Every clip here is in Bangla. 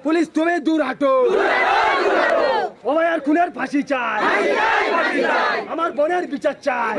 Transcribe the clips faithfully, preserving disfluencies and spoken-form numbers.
পুলিশ তুমি দূর হাঁটো। ও ভাই আর খুনের ফাঁসি চাই, আমার বোনের বিচার চাই।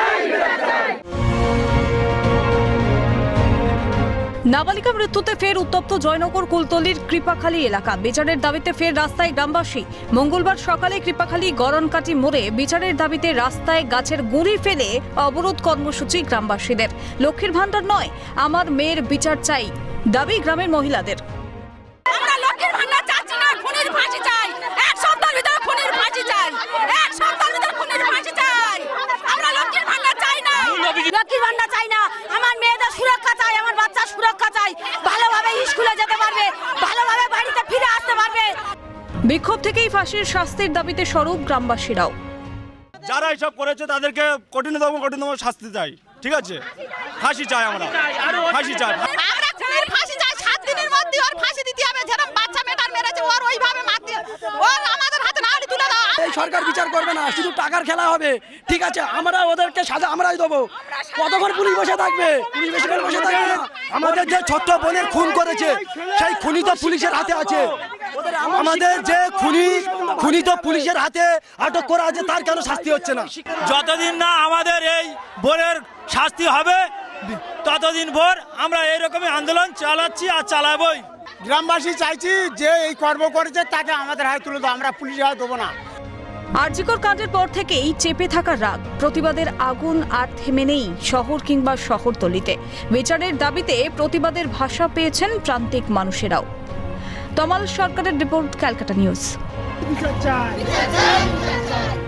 নাবালিকা মৃত্যুতে ফের উত্তপ্ত জয়নগর কুলতলির কৃপাখালী এলাকা। বিচারের দাবিতে ফের রাস্তায় গ্রামবাসী। মঙ্গলবার সকালে কৃপাখালী গরনকাটি মোড়ে বিচারের দাবিতে রাস্তায় গাছের গুঁড়ি ফেলে অবরোধ কর্মসূচি গ্রামবাসীদের। লক্ষ্মীর ভান্ডার নয়, আমার মেয়ের বিচার চাই, দাবি গ্রামের মহিলাদের। আমরা লক্ষ্মীর ভান্ডার চাচ্ছি না, খুনির ফাঁসি চাই। এক সপ্তাহের ভিতরে খুনির ফাঁসি চাই, এক সপ্তাহের ভিতরে খুনির ফাঁসি চাই। আমরা লক্ষ্মীর ভান্ডার চাই না, লক্ষ্মীর ভান্ডার চাই না। আমার মেয়েদের সুরক্ষা চাই, আমার বাচ্চার সুরক্ষা চাই, ভালোভাবে স্কুলে যেতে পারবে, ভালোভাবে বাড়িতে ফিরে আসতে পারবে। বিক্ষোভ থেকেই ফাঁসির শাস্তির দাবিতে স্বরূপ গ্রামবাসীরাও। যারা এসব করেছে তাদেরকে কঠিনতম কঠিনতম শাস্তি চাই, ঠিক আছে? ফাঁসি চাই, আমরা ফাঁসি চাই। আমরা খুনির ফাঁসি চাই, সাত দিনের মধ্যে ওর ফাঁসি দিতে হবে। যেরকম বাচ্চা মেটার মেরেছে ওর ওইভাবে মারতে, ওর আমাদের হাতে নাড়ি তুলে দাও। এই সরকার বিচার করবে না, শুধু টাকার খেলা হবে, ঠিক আছে? আমরা ওদেরকে সাজা আমরাই দেবো। কতক্ষণ পুলিশ বসে থাকবে? পুলিশ বেশি করে বসে থাকবে না। আমাদের যে ছোট্ট বোনের খুন করেছে সেই খুনি তো পুলিশের হাতে আছে। আমাদের যে খুনি খুনি তো পুলিশের হাতে আটক করা আছে, তার কেন শাস্তি হচ্ছে না? যতদিন না আমাদের এই বোনের শাস্তি হবে ততদিন ভোর আমরা এইরকমই আন্দোলন চালাচ্ছি আর চালাবই। গ্রামবাসী চাইছি যে এই কর্ম করেছে তাকে আমাদের হাতে তুলে দাও, আমরা পুলিশের হাতে দেবো না। আরজিকর কাণ্ডের পর থেকেই চেপে থাকা রাগ, প্রতিবাদের আগুন আর থেমে নেই শহর কিংবা শহরতলিতে। বিচারের দাবিতে প্রতিবাদের ভাষা পেয়েছেন প্রান্তিক মানুষেরাও। তমাল সরকারের রিপোর্ট, ক্যালকাটা নিউজ। বিচার চাই।